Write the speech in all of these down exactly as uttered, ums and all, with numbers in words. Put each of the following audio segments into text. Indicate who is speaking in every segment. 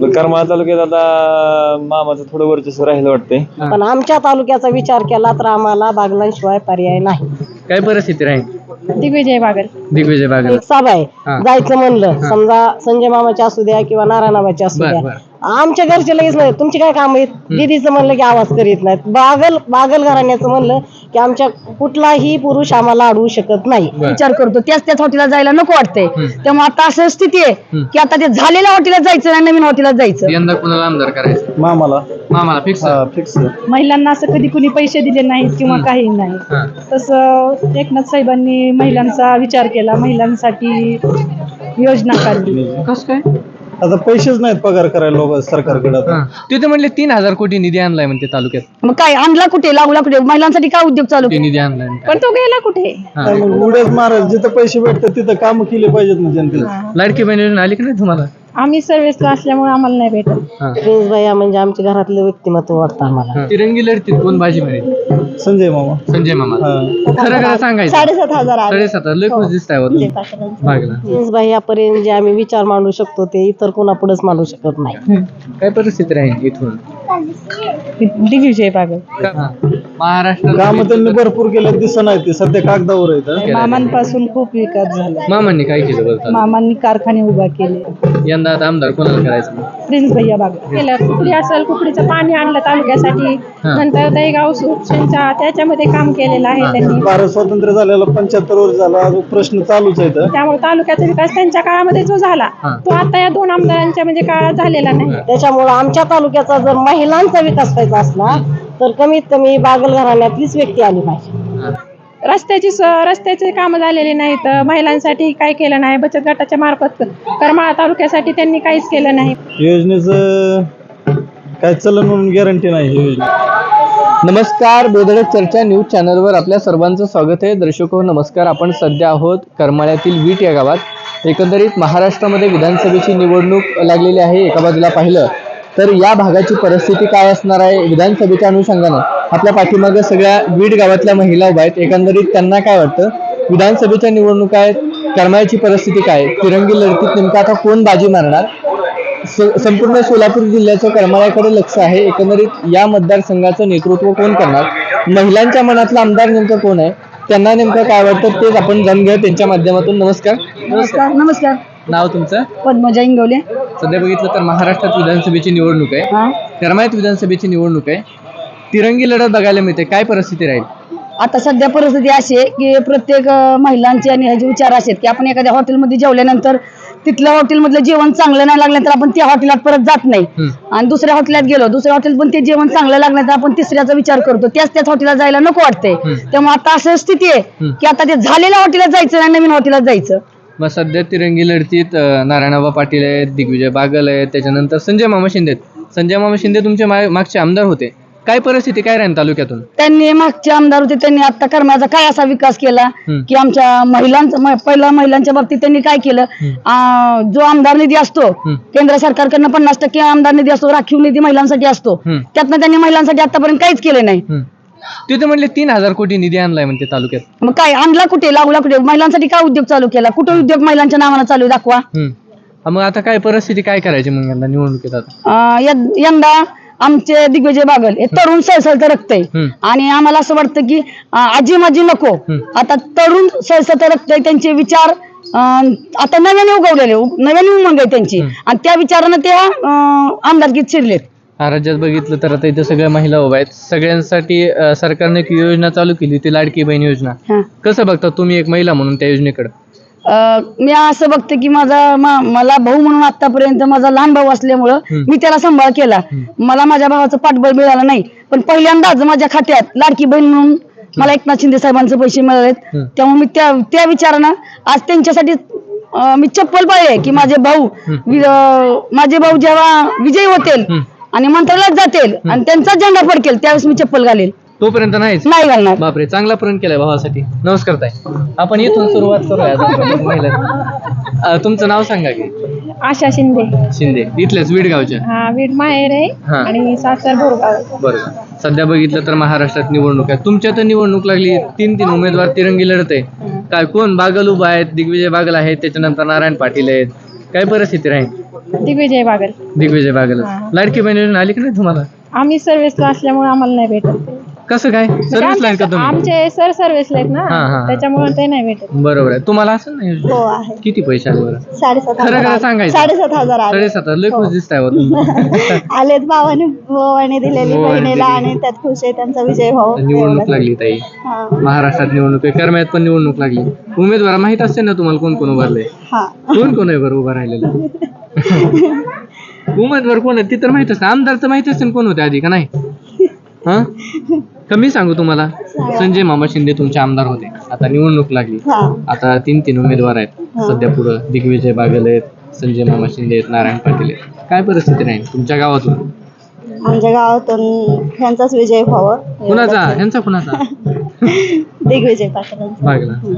Speaker 1: करमाळा तालुक्यात आता मामाचं थोडं वर्चस्व राहिलं वाटतंय.
Speaker 2: पण आमच्या तालुक्याचा विचार केला तर आम्हाला बागलांशिवाय पर्याय नाही.
Speaker 3: काय परिस्थिती राहील?
Speaker 4: दिग्विजय बागल.
Speaker 3: दिग्विजय बागल.
Speaker 2: एक सभा आहे,
Speaker 3: हा.
Speaker 2: जायचं म्हणलं समजा संजय मामाची असू द्या किंवा नारायणाबाची असू
Speaker 3: बर
Speaker 2: द्या,
Speaker 3: बर
Speaker 2: आमच्या घरचे लगेच नाही तुमची काय काम आहेत, दीदीचं म्हणलं की आवाज करीत नाहीत. बागल बागल घराण्याचं म्हणलं की आमच्या कुठलाही पुरुष आम्हाला अडवू शकत नाही.
Speaker 3: बर.
Speaker 5: विचार करतो त्याच त्याच हॉटेलला जायला नको वाटतंय. त्यामुळे आता असं स्थिती आहे की आता ते झालेल्या हॉटेलात जायचं नाही, नवीन हॉटेलात जायचं.
Speaker 3: यंदा कुणाला आमदार करायचं?
Speaker 1: मामाला
Speaker 3: मामाला फिक्स.
Speaker 1: फिक्स.
Speaker 4: महिलांना असं कधी कुणी पैसे दिले नाहीत किंवा काही नाही. तसं एकनाथ साहेबांनी महिलांचा विचार केला, महिलांसाठी योजना काढली.
Speaker 3: कस काय?
Speaker 1: आता पैसेच नाहीत पगार करायला लोक सरकारकडे.
Speaker 3: तिथे म्हणले तीन हजार कोटी निधी आणलाय म्हणते तालुक्यात.
Speaker 5: मग काय आणला कुठे, लागला कुठे? महिलांसाठी काय उद्योग चालू
Speaker 3: ते निधी आणलाय
Speaker 4: पण तो गेला कुठे?
Speaker 1: उड्याच मारायचं, जिथं पैसे भेटतात तिथं काम केले पाहिजेत ना जनतेला.
Speaker 3: लाडकी बहीण योजना आली की नाही तुम्हाला?
Speaker 4: आम्ही सर्व्हिसला असल्यामुळे आम्हाला नाही भेटत.
Speaker 2: प्रिन्स भैया म्हणजे आमच्या घरातलं व्यक्तिमत्व वाटतं आम्हाला.
Speaker 3: तिरंगी लढतीत कोण बाजी मिळेल?
Speaker 1: संजय मामा.
Speaker 3: संजय मामा. खरं खरं सांगायचं.
Speaker 4: साडेसात हजार आले.
Speaker 3: साडेसात हजार लय खुश दिसताय हो तुम्ही. बागला.
Speaker 2: प्रिन्स भैयापर्यंत जे आम्ही विचार मांडू शकतो ते इतर कोणा पुढेच मांडू शकत नाही.
Speaker 3: काय परिस्थिती राहील इथून?
Speaker 4: दिग्विजय बागल.
Speaker 3: हा. महाराष्ट्र
Speaker 1: काम त्यांनी भरपूर केलं दिसत नाही, ते सध्या कागदावर आहेत.
Speaker 4: मामांपासून खूप विकास झाला.
Speaker 3: मामांनी काय केलं बरं?
Speaker 4: मामांनी कारखाने उभा केले.
Speaker 3: यंदा आता आमदार कोणाला करायचं?
Speaker 4: प्रिन्स भैया बागल केलं. कुकडी असेल, कुकडीचं पाणी आणलं तालुक्यासाठी. नंतर दहीगाव सुरक्षणचा त्याच्यामध्ये काम केलेलं आहे त्यांनी.
Speaker 1: भारत स्वातंत्र्य झालेला पंच्याहत्तर वर्ष झाला, अजून प्रश्न चालूच आहेत.
Speaker 4: त्यामुळे तालुक्याचा विकास त्यांच्या काळामध्ये जो झाला तो आता या दोन आमदारांच्या म्हणजे काळात झालेला नाही.
Speaker 2: त्याच्यामुळं आमच्या तालुक्याचा जर महिलांचा विकास व्हायचा असला तर कमीत कमी बागल घराण्यातलीच व्यक्ती आली पाहिजे.
Speaker 4: रस्त्याची रस्त्याचे कामं झालेले नाहीत. महिलांसाठी काय केलं नाही. बचत गटाच्या मार्फत करमाळा तालुक्यासाठी त्यांनी काहीच केलं नाही.
Speaker 1: योजनेचं काय चलन म्हणून गॅरंटी नाही ही योजना.
Speaker 3: नमस्कार, बेधडक चर्चा न्यूज चॅनलवर आपल्या सर्वांचं स्वागत आहे. दर्शक हो नमस्कार. आपण सध्या आहोत करमाळ्यातील वीट या गावात. एकंदरीत महाराष्ट्रामध्ये विधानसभेची निवडणूक लागलेली आहे. एका बाजूला पाहिलं तर या भागाची परिस्थिती काय असणार आहे विधानसभेच्या अनुषंगानं आपल्या पाठीमागे सगळ्या वीट गावातल्या महिला उभ्या आहेत. एकंदरीत त्यांना काय वाटतं, विधानसभेच्या निवडणुका आहेत, करमाळ्याची परिस्थिती काय, तिरंगी लढतीत नेमका आता कोण बाजी मारणार, संपूर्ण सोलापूर जिल्ह्याचं करमाळ्याकडे लक्ष आहे. एकंदरीत या मतदारसंघाचं नेतृत्व कोण करणार, महिलांच्या मनातला आमदार नेमकं कोण आहे, त्यांना नेमकं काय वाटतं तेच आपण जाणून घेऊ त्यांच्या माध्यमातून. नमस्कार.
Speaker 5: नमस्कार. नमस्कार.
Speaker 3: नाव तुमचं?
Speaker 5: पद्मजा इंगवले.
Speaker 3: सध्या बघितलं तर महाराष्ट्रात विधानसभेची निवडणूक आहे,
Speaker 5: हा.
Speaker 3: करमाळ्यात विधानसभेची निवडणूक आहे, तिरंगी लढत बघायला मिळते. काय परिस्थिती राहील?
Speaker 5: आता सध्या परिस्थिती अशी आहे की प्रत्येक अं, महिलांचे आणि ह्याचे विचार असे आहेत की आपण एखाद्या हॉटेलमध्ये जेवल्यानंतर तिथल्या हॉटेलमधलं जेवण चांगलं नाही लागलं तर आपण त्या हॉटेलात परत जात नाही. आणि दुसऱ्या हॉटेलात गेलो, दुसऱ्या हॉटेल पण ते जेवण चांगलं लागलं तर आपण तिसऱ्याचा विचार करतो. त्याच त्याच हॉटेलात जायला नको वाटतंय. त्यामुळे आता असं स्थिती आहे की आता ते झालेल्या हॉटेलात जायचं नाही, नवीन हॉटेलात जायचं.
Speaker 3: मग सध्या तिरंगी लढतीत अं, नारायणबा पाटील आहेत, दिग्विजय बागल आहेत, त्याच्यानंतर संजय मामा शिंदे आहेत. संजय मामा शिंदे तुमचे मा- मागचे आमदार होते. काय परिस्थिती काय राहील तालुक्यातून?
Speaker 5: त्यांनी मागचे आमदार होते, त्यांनी आता करमाळ्याचा काय असा विकास केला की आमच्या महिलांचा म- पहिला महिलांच्या बाबतीत त्यांनी काय केलं, अं, जो आमदार निधी असतो केंद्र सरकारकडनं पन्नास टक्के आमदार निधी असतो, राखीव निधी महिलांसाठी असतो, त्यातनं त्यांनी महिलांसाठी आतापर्यंत काहीच केलं नाही.
Speaker 3: तिथे म्हणले तीन हजार कोटी निधी आणलाय म्हणते तालुक्यात.
Speaker 5: मग काय आणला कुठे, लागला कुठे? महिलांसाठी काय उद्योग चालू केला? कुठे उद्योग महिलांच्या नावानं चालू आहे दाखवा.
Speaker 3: हा, मग आता काय परिस्थिती काय करायची मग यंदा निवडणुकीत? आता
Speaker 5: अं, यं- यंदा आमचे दिग्विजय बागल हे तरुण सळसळतं रक्त आहे आणि आम्हाला असं वाटतं की अं, आजी माजी नको, आता तरुण सळसळतं रक्त आहे. त्यांचे विचार अं, आता नव्याने उगवलेले, नव्याने उमंग आहे त्यांची आणि त्या विचारानं त्या अं, आमदारकीत शिरलेत.
Speaker 3: हा, राज्यात बघितलं तर आता इथे सगळ्या महिला उभ्या आहेत. सगळ्यांसाठी अं, सरकारने एक योजना चालू केली, ती लाडकी बहीण योजना.
Speaker 5: हा.
Speaker 3: कसं बघता तुम्ही एक महिला म्हणून त्या योजनेकडे?
Speaker 5: अं, मी असं बघते की माझा मा- मला भाऊ म्हणून आतापर्यंत माझा लहान भाऊ असल्यामुळं मी त्याला सांभाळ केला. मला माझ्या भावाचं पाठबळ मिळालं नाही, पण पहिल्यांदाच माझ्या खात्यात लाडकी बहीण म्हणून मला एकनाथ शिंदे साहेबांचे पैसे मिळालेत. त्यामुळे मी त्या त्या विचारानं आज त्यांच्यासाठी अं, मी चप्पल पाहिजे की माझे भाऊ वि- अं, माझे भाऊ जेव्हा विजयी होतील आणि मंत्रालयात जातील आणि त्यांचा झेंडा फडकेल त्यावेळेस मी चप्पल घालेल,
Speaker 3: तोपर्यंत नाहीच.
Speaker 5: नाही घालणार.
Speaker 3: बापरे, चांगला प्रण केलाय भावासाठी. नमस्कार ताई, आपण इथून सुरुवात करूया. महिला अं, तुमचं नाव सांगा की?
Speaker 4: आशा शिंदे.
Speaker 3: शिंदे, इथल्याच वीडगावच्या.
Speaker 4: हा, वीट माहेर आहे
Speaker 3: हा.
Speaker 4: आणि सासर भोरगाव.
Speaker 3: बरोबर. सध्या बघितलं तर महाराष्ट्रात निवडणूक आहे, तुमच्या तर निवडणूक लागली, तीन तीन उमेदवार तिरंगी लढत आहे. काय कोण? बागल उभा आहेत, दिग्विजय बागल आहेत, त्याच्यानंतर नारायण पाटील आहेत, काय परिस्थिती राहील?
Speaker 4: दिग्विजय बागल.
Speaker 3: दिग्विजय बागल. लाडकी बहीण योजना आली की नाही तुम्हाला?
Speaker 4: आम्ही सर्व्हिसला असल्यामुळे आम्हाला नाही भेटत.
Speaker 3: कसं काय सर्व्हिस लाईन का तुम्ही?
Speaker 4: आमचे सर सर्व्हिसला आहेत
Speaker 3: हा, हा,
Speaker 4: ना,
Speaker 3: हा.
Speaker 4: त्याच्यामुळे ते नाही भेटत.
Speaker 3: बरोबर आहे. तुम्हाला असं नाही योजना?
Speaker 2: हो आहे.
Speaker 3: किती पैसे आले बरं?
Speaker 2: साडेसात
Speaker 3: खरं
Speaker 2: हजार
Speaker 3: खरं
Speaker 2: आले.
Speaker 3: सांगायचं.
Speaker 2: साडेसात हजार आले.
Speaker 3: साडेसात हजार लय खुश दिसताय हो तुम्ही.
Speaker 2: आलेत भावाने भावाने दिलेली
Speaker 3: भावाने
Speaker 2: बहिणीला
Speaker 3: दिली.
Speaker 2: आणि त्यात खुश आहे त्यांचा विजय व्हावा.
Speaker 3: निवडणूक लागली ताई.
Speaker 2: हा.
Speaker 3: महाराष्ट्रात निवडणूक आहे, करमाळ्यात पण निवडणूक लागली. उमेदवार माहित असते ना तुम्हाला कोण कोण उभारले?
Speaker 2: हा.
Speaker 3: कोण कोण आहे बरं उभा राहिलेलं? उमेदवार कोण आहे ते तर माहित असतं. आमदार तर माहित असते कोण होते आधी का नाही? हा कमी सांगू तुम्हाला. संजय मामा शिंदे तुमचे आमदार होते. आता निवडणूक लागली.
Speaker 2: हा.
Speaker 3: आता तीन तीन उमेदवार आहेत सध्या पुढं. दिग्विजय बागल आहेत, संजय मामा शिंदे आहेत, नारायण पाटील आहेत. काय परिस्थिती राहील तुमच्या गावातून?
Speaker 2: आमच्या गावातून ह्यांचाच विजय व्हावा.
Speaker 3: कुणाचा? ह्यांचा कुणाचा?
Speaker 2: दिग्विजय पाटलांचा.
Speaker 3: बागला.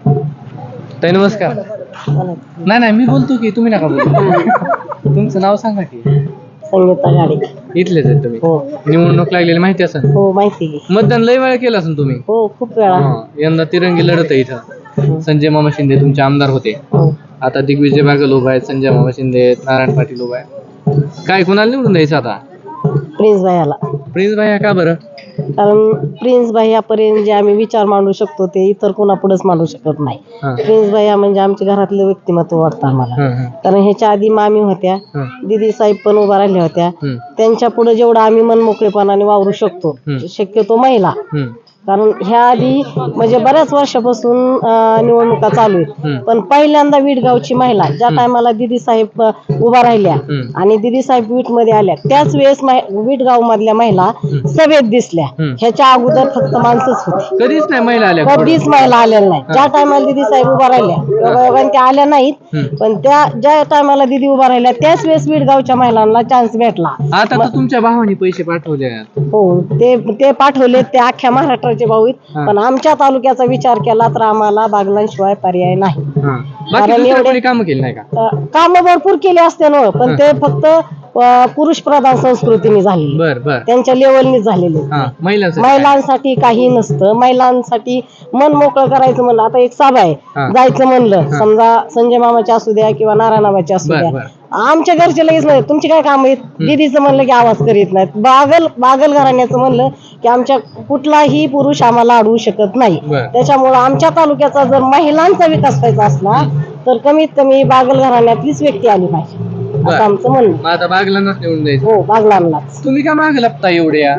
Speaker 3: ताई नमस्कार. नाही नाही मी बोलतो की तुम्ही नका बोलू. तुमचं नाव सांगा की.
Speaker 2: संगीता गाडी.
Speaker 3: इथलेच आहेत तुम्ही?
Speaker 2: हो.
Speaker 3: निवडणूक लागलेली माहिती असेल.
Speaker 2: हो माहिती आहे.
Speaker 3: मतदान लय वेळा केलं असेल तुम्ही?
Speaker 2: हो खूप वेळा.
Speaker 3: हा. यंदा तिरंगी लढत आहे इथं. संजय मामा शिंदे तुमचे आमदार होते.
Speaker 2: हो.
Speaker 3: आता दिग्विजय बागल उभा आहेत, संजय मामा शिंदे आहेत, नारायण पाटील उभा आहे. काय कुणाला निवडून द्यायचं आता?
Speaker 2: प्रिन्स भाईला.
Speaker 3: प्रिन्स भाई का बरं?
Speaker 2: कारण प्रिन्स भाईयापर्यंत जे आम्ही विचार मांडू शकतो ते इतर कोणापुढेच मांडू शकत नाही.
Speaker 3: हा.
Speaker 2: प्रिन्स भाईया म्हणजे आमच्या घरातलं व्यक्तिमत्व वाटतं आम्हाला.
Speaker 3: हं, हं.
Speaker 2: कारण ह्याच्या आधी मामी होत्या,
Speaker 3: हं.
Speaker 2: दिदी साहेब पण उभा राहिल्या होत्या.
Speaker 3: हं.
Speaker 2: त्यांच्या पुढे जेवढं आम्ही मनमोकळेपणाने वावरू शकतो
Speaker 3: हं.
Speaker 2: शक्यतो महिला.
Speaker 3: हं.
Speaker 2: कारण ह्या आधी म्हणजे बऱ्याच वर्षापासून अं, निवडणुका चालू आहेत.
Speaker 3: हं.
Speaker 2: पण पहिल्यांदा वीटगावची महिला ज्या टायमाला दिदी साहेब अं, उभा राहिल्या
Speaker 3: हं.
Speaker 2: आणि दिदी साहेब वीट मध्ये आल्या त्याच वेळेस वीटगाव मधल्या महिला सभेत दिसल्या.
Speaker 3: हं.
Speaker 2: ह्याच्या अगोदर फक्त माणसंच होती.
Speaker 3: कधीच नाही महिला आल्या.
Speaker 2: कधीच महिला आलेल्या नाही. ज्या टायमाला दिदी साहेब उभा राहिल्या योगायोगाने त्या आल्या नाहीत.
Speaker 3: हं.
Speaker 2: पण त्या ज्या टायमाला दिदी उभा राहिल्या त्याच वेळेस वीटगावच्या महिलांना चान्स भेटला.
Speaker 3: आता तर तुमच्या भावाने पैसे पाठवले आहेत.
Speaker 2: हो ते ते पाठवले ते अख्ख्या महाराष्ट्राचे भाऊ आहेत.
Speaker 3: हा.
Speaker 2: पण आमच्या तालुक्याचा विचार केला तर आम्हाला बागलांशिवाय पर्याय नाही.
Speaker 3: हा. बाकी
Speaker 2: कारण
Speaker 3: दुसरं
Speaker 2: एवढे-
Speaker 3: कोणी कामं केली नाही का?
Speaker 2: काम भरपूर केले असते ना पण ते फक्त पुरुष प्रधान संस्कृतीने झालेली,
Speaker 3: बर बर.
Speaker 2: त्यांच्या लेवलनी झालेले.
Speaker 3: हा महिलांचं काय?
Speaker 2: महिलांसाठी काही नसतं. महिलांसाठी मन मोकळं करायचं म्हणलं आता एक सभा आहे
Speaker 3: हा.
Speaker 2: जायचं म्हणलं समजा संजय मामाची असू द्या किंवा नारायणाबाची असू
Speaker 3: बर
Speaker 2: द्या
Speaker 3: बर.
Speaker 2: आमच्या घरचे लगेच नाही तुमची काय काम आहेत दीदीचं म्हणलं की आवाज करीत नाहीत. बागल बागल घराण्याचं म्हणलं की आमच्या कुठलाही पुरुष आम्हाला अडवू शकत नाही.
Speaker 3: बर.
Speaker 2: त्याच्यामुळं आमच्या तालुक्याचा जर महिलांचा विकास व्हायचा असला तर कमीत कमी बागल घराण्यातलीच व्यक्ती आली पाहिजे
Speaker 3: बर.
Speaker 2: असं आमचं म्हणणं.
Speaker 3: मग आता बागलांनाच निवडून द्यायचं.
Speaker 2: हो बागलांनाच.
Speaker 3: तुम्ही का मागे लपता एवढ्या?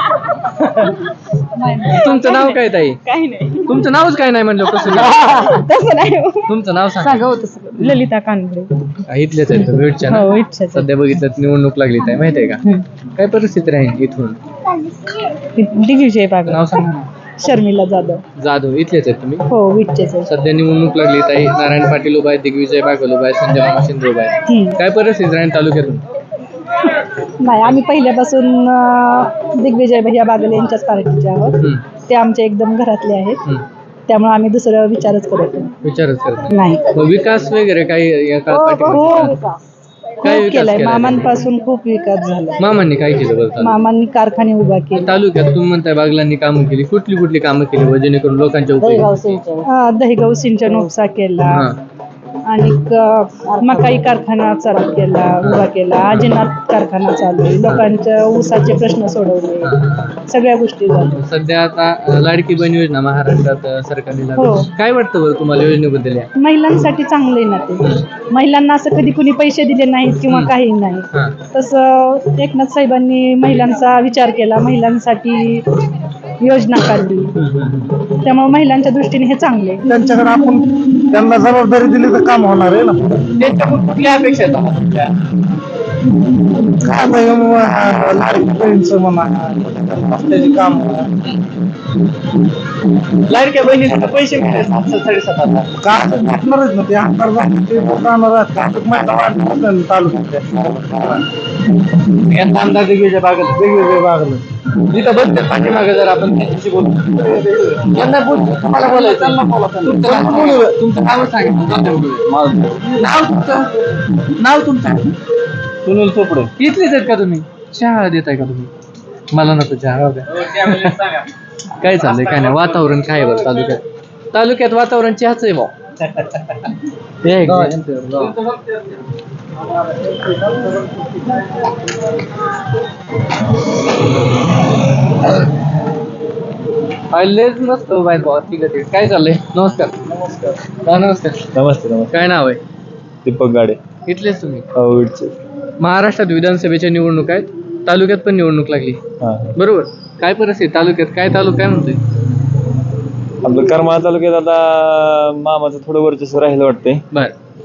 Speaker 3: तुमचं नाव काय ताई?
Speaker 4: काही नाही.
Speaker 3: तुमचं नावच काय नाही म्हणलं कसं नाव?
Speaker 2: तसं नाही.
Speaker 3: तुमचं नाव सांगा.
Speaker 4: ललिता कानबळे.
Speaker 3: इथलेच आहेत भेटच्या
Speaker 4: हो
Speaker 3: ना?
Speaker 4: इच्छाच.
Speaker 3: सध्या बघितलं तर निवडणूक लागली ताई माहितीये का? काय परिस्थिती राहील इथून?
Speaker 4: दिग्विजय बागल.
Speaker 3: नाव सांगा ना.
Speaker 4: शर्मिला जाधव.
Speaker 3: जाधव इथलेच आहेत तुम्ही?
Speaker 4: हो विठ्ठेच आहे.
Speaker 3: सध्या निवडणूक लागली ताई. नारायण पाटील उभा आहे, दिग्विजय बागल उभा आहे, संजय मामा शिंदे उभा आहे.
Speaker 4: हम्म.
Speaker 3: काय परिस्थिती राहील तालुक्यातून?
Speaker 4: नाही आम्ही पहिल्यापासून अं, दिग्विजय भैया बागल यांच्याच पार्टीचे आहोत.
Speaker 3: हम्म.
Speaker 4: ते आमच्या एकदम घरातले आहेत.
Speaker 3: हम्म.
Speaker 4: त्यामुळे आम्ही दुसरं विचारच करत नाही.
Speaker 3: विचारच करत
Speaker 4: नाही.
Speaker 3: मग विकास वगैरे काही या काळात
Speaker 2: हो,
Speaker 3: पाठीमागे?
Speaker 2: विकास.
Speaker 3: काय
Speaker 4: खूप
Speaker 3: विकास
Speaker 4: केलाय
Speaker 3: केलाय?
Speaker 4: मामांपासून खूप विकास झाला.
Speaker 3: मामांनी काय केलं बरं तालुक्यात?
Speaker 4: मामांनी कारखाने उभा केले.
Speaker 3: तालुक्यात तुम्ही म्हणताय बागलांनी कामं केली, कुठली कुठली कामं केली व जेणेकरून लोकांच्या
Speaker 2: दहीगाव
Speaker 3: उपयोगी?
Speaker 2: सिंचन.
Speaker 4: अं, दहीगाव सिंचन उपसा केला
Speaker 3: हा.
Speaker 4: आणि क- मकाई कारखाना चालू केला उभा केला. आजीनाथ कारखाना चालू आहे. लोकांच्या ऊसाचे प्रश्न सोडवले. सगळ्या गोष्टी झाल्या.
Speaker 3: सध्या आता अं, लाडकी बहीण योजना महाराष्ट्रात अं, सरकारने लागू.
Speaker 4: हो.
Speaker 3: काय वाटतं बरं तुम्हाला योजनेबद्दल या?
Speaker 4: महिलांसाठी चांगले ना ते. महिलांना असं कधी कुणी पैसे दिले नाहीत किंवा काही नाही.
Speaker 3: हा.
Speaker 4: तसं एकनाथ साहेबांनी महिलांचा विचार केला, महिलांसाठी योजना काढली. त्यामुळे महिलांच्या दृष्टीने हे चांगले.
Speaker 1: त्यांच्याकडे आपण त्यांना जबाबदारी दिली तर काम होणार आहे ना.
Speaker 3: त्यांच्याकडून कुठल्या अपेक्षा आहेत आम्हाला तुमच्या?
Speaker 1: काय आता हे मग, हा, लाडकी बहीणचं म्हणा रस्त्याची काम म्हणा.
Speaker 3: लाडक्या बहिणीला पैसे मिळाले सातशे साडेसात हजार.
Speaker 1: काय भेटणारच ना ते आमदार झाले ते जाणार आहेत. काय महिला वाढणार नाही तालुक्यात
Speaker 3: यांचा आमदार दिग्विजय बागल
Speaker 1: वेगवेगळे बागलं.
Speaker 3: इथं बसते पाठीमागे जर आपण त्यांच्याशी बोलू. यांना बोल तुम्हाला बोलायचं. त्यांना बोला. तुमचं नाव सांगा. तुमचं नाव सांगा. नाव तुमचं नाव तुमचं
Speaker 1: सुनील चोपडे.
Speaker 3: इथलेच आहेत का तुम्ही? चहा देताय का तुम्ही? मला नको चहा. राहू द्या. काय चाललंय काय नाही वातावरण काय आहे बरं तालुक्यात? तालुक्यात वातावरण चहाच आहे भाऊ. हे एक लेच मस्त बाय भावा ठीक आहे काय चाललंय नमस्कार नमस्कार नमस्कार
Speaker 1: नमस्ते नमस्ते.
Speaker 3: काय नाव आहे
Speaker 1: दीपक गाडे
Speaker 3: इथलेच तुम्ही
Speaker 1: अवडचे.
Speaker 3: महाराष्ट्रात विधानसभेच्या निवडणूक आहेत तालुक्यात पण निवडणूक लागली
Speaker 1: हा.
Speaker 3: बरोबर काय परिस्थिती तालुक्यात काय तालुका काय म्हणतोय
Speaker 1: आपलं करमाळा तालुक्यात आता मामाचं थोडं वर्चस्व राहिलं वाटतंय.
Speaker 3: बर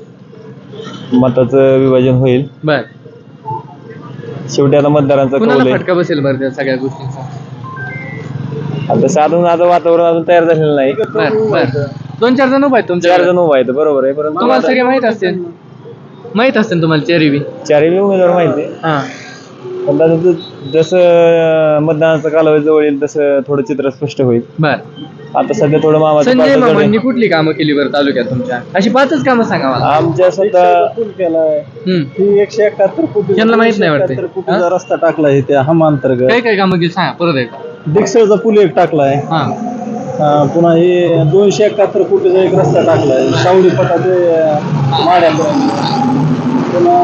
Speaker 1: मताचं विभाजन होईल.
Speaker 3: बर
Speaker 1: शेवटी आता मतदारांचा कौल
Speaker 3: कुणाला
Speaker 1: आहे.
Speaker 3: फटका बसेल बरं त्या सगळ्या गोष्टींचा
Speaker 1: आता साधून आता वातावरण अजून तयार झालेलं नाही.
Speaker 3: बर बर दोन चार जण उभा आहेत तुमच्या
Speaker 1: चार जण उभा आहेत बरोबर आहे, परंतु
Speaker 3: तुम्हाला सगळे माहित असतील माहित असतील तुम्हाला चारी बी
Speaker 1: चारही उमेदवार माहिती आहे.
Speaker 3: हा
Speaker 1: पण आता जसं- जसं मतदानाचा कालावधी जवळ येईल तसं थोडं चित्र स्पष्ट होईल.
Speaker 3: बर
Speaker 1: आता सध्या थोडं मामाचं
Speaker 3: संजय
Speaker 1: पारडं जड
Speaker 3: मामांनी
Speaker 1: आहे.
Speaker 3: कुठली कामं केली बरं तालुक्यात तुमच्या अशी पाचच कामं सांगा मला
Speaker 1: आमच्या सुद्धा
Speaker 3: हम्म.
Speaker 1: ही एकशे एकाहत्तर कोटी
Speaker 3: यांना माहित नाही वाटते.
Speaker 1: कोटीचा रस्ता टाकलाय त्या हमा अंतर्गत.
Speaker 3: काय काय कामं केली सांगा परत एकदा
Speaker 1: डिक्सळचा पूल एक टाकलाय.
Speaker 3: हा
Speaker 1: अं, पुन्हा हे दोनशे एकाहत्तर कोटीचा एक रस्ता टाकलाय सावडी पटा ते माड्यापर्यंत. पुन्हा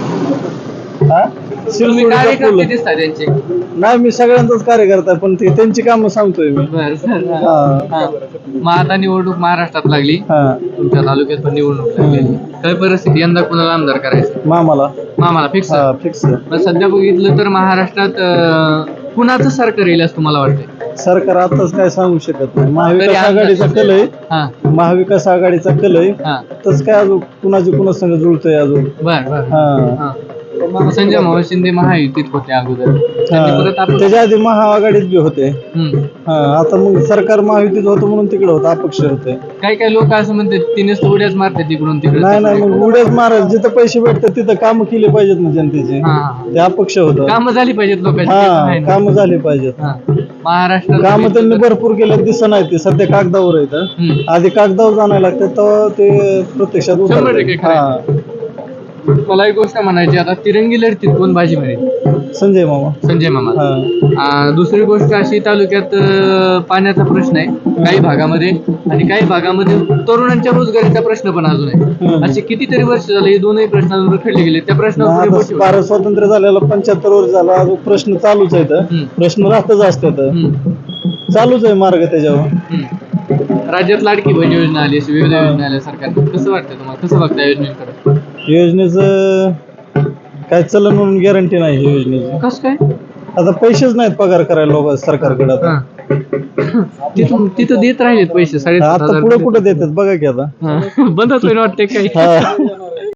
Speaker 1: हा?
Speaker 3: तुम्ही
Speaker 1: शिरसोडीचा पूल.
Speaker 3: कार्यकर्ते दिसता त्यांचे
Speaker 1: नाही मी सगळ्यांचाच कार्यकर्ता आहे, पण ते त्यांची कामं सांगतोय मी.
Speaker 3: बर बर
Speaker 1: हा
Speaker 3: हा. मग आता निवडणूक महाराष्ट्रात लागली
Speaker 1: हा
Speaker 3: तुमच्या तालुक्यात पण निवडणूक लागली काय परिस्थिती यंदा कुणाला आमदार करायचं
Speaker 1: मामाला
Speaker 3: मामाला फिक्स
Speaker 1: हा फिक्स.
Speaker 3: पण सध्या बघितलं तर महाराष्ट्रात अं, कुणाचं सरकार येईल असं तुम्हाला वाटतंय
Speaker 1: सरकार आताच काय सांगू शकत नाही.
Speaker 3: तरी
Speaker 1: महाविकास
Speaker 3: आमदार-
Speaker 1: आघाडीचा कल आहे.
Speaker 3: हा
Speaker 1: महाविकास आघाडीचा कल आहे.
Speaker 3: हा
Speaker 1: तस काय अजून कुणाची कुणा संग जुळतोय अजून.
Speaker 3: बर बर
Speaker 1: हा
Speaker 3: हा. संजय मावळ शिंदे महायुतीत होते अगोदर त्यांनी परत
Speaker 1: हा.
Speaker 3: आपलं
Speaker 1: त्याच्या आधी महाआघाडीत बी होते.
Speaker 3: हम्म.
Speaker 1: हा आता मग सरकार महायुतीत होतं म्हणून तिकडे होतं अपक्ष होते.
Speaker 3: काही काही लोक असं म्हणतात तिनेच तर उड्याच मारतात तिकडून तिकडे
Speaker 1: नाही नाही मग उड्याच मारायला जिथं पैसे भेटतात तिथं काम केले पाहिजेत ना जनतेचे.
Speaker 3: हा
Speaker 1: ते अपक्ष होतं.
Speaker 3: कामं झाली पाहिजेत लोकांची ते पण
Speaker 1: हा
Speaker 3: आहे ना.
Speaker 1: काम झाले पाहिजेत.
Speaker 3: हा. महाराष्ट्रात
Speaker 1: काम त्यांनी भरपूर केले दिसत नाही. ते सध्या कागदावर आहेत.
Speaker 3: हम्म.
Speaker 1: आधी कागदावर जाणायला लागतात तेव्हा ते प्रत्यक्षात
Speaker 3: शंभर टक्के
Speaker 1: उतरतात.
Speaker 3: खरं
Speaker 1: हा
Speaker 3: मला एक गोष्ट म्हणायची आता तिरंगी लढतीत कोण बाजी मिळेल
Speaker 1: संजय मामा.
Speaker 3: संजय मामा
Speaker 1: हा
Speaker 3: आ, दुसरी गोष्ट अशी तालुक्यात अं, पाण्याचा प्रश्न आहे काही भागामध्ये आणि काही भागामध्ये तरुणांच्या रोजगारीचा प्रश्न पण अजून आहे
Speaker 1: हम्म.
Speaker 3: असे कितीतरी वर्ष झाले हे दोनही प्रश्न अजून रखडले गेले त्या प्रश्नावर
Speaker 1: आता
Speaker 3: पुढे बोट
Speaker 1: भारत स्वातंत्र्य झालेला पंच्याहत्तर वर्ष झाला अजून प्रश्न चालूच आहेत.
Speaker 3: हम्म.
Speaker 1: प्रश्न राहतच असतात.
Speaker 3: हम्म.
Speaker 1: चालूच आहे मार्ग त्याच्यावर.
Speaker 3: हम्म. राज्यात लाडकी बहीण योजना आली अशी विविध योजना आल्या सरकारने कसं वाटतं तुम्हाला कसं बघता योजनेकडे
Speaker 1: योजनेचं काय चलन म्हणून गॅरंटी नाही ही योजनेची.
Speaker 3: कसं काय
Speaker 1: आता पैसेच नाहीत पगार करायला लोक सरकारकडे आता.
Speaker 3: हा. तिथून तिथं देत राहिलेत पैसे साडेसात
Speaker 1: आता
Speaker 3: हजार
Speaker 1: पुढे कुठे देतात बघा की आता.
Speaker 3: हा. बंदच होईल वाटते काही
Speaker 1: हा.